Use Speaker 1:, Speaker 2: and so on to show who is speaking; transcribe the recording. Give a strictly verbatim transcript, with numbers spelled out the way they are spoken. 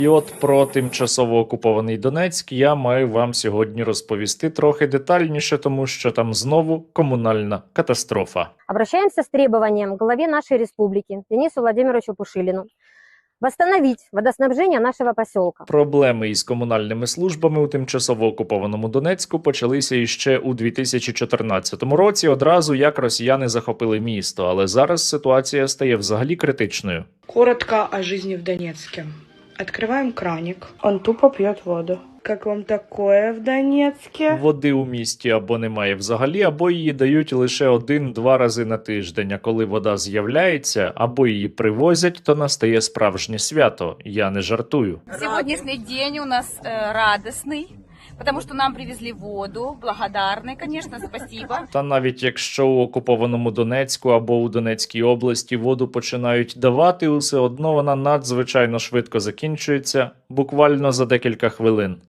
Speaker 1: І от про тимчасово окупований Донецьк я маю вам сьогодні розповісти трохи детальніше, тому що там знову комунальна катастрофа.
Speaker 2: Обращаемся с требованием к главе нашей республики Денису Владимировичу Пушилину восстановить водоснабжение нашего поселка.
Speaker 1: Проблеми із комунальними службами у тимчасово окупованому Донецьку почалися іще у дві тисячі чотирнадцятому році, одразу як росіяни захопили місто, але зараз ситуація стає взагалі критичною.
Speaker 3: Коротко о жизни в Донецке. Открываем краник. Он тупо пьет воду. Как вам такое в Донецке?
Speaker 1: Води у місті або немає взагалі, або її дають лише один-два рази на тиждень. А коли вода з'являється, або її привозять, то настає справжнє свято. Я не жартую.
Speaker 4: Сегодняшний день у нас э, радостный, потому что нам привезли воду. Благодарны, конечно, спасибо.
Speaker 1: Та навіть якщо у окупованому Донецьку або у Донецькій області воду починають давати, усе одно вона надзвичайно швидко закінчується, буквально за декілька хвилин.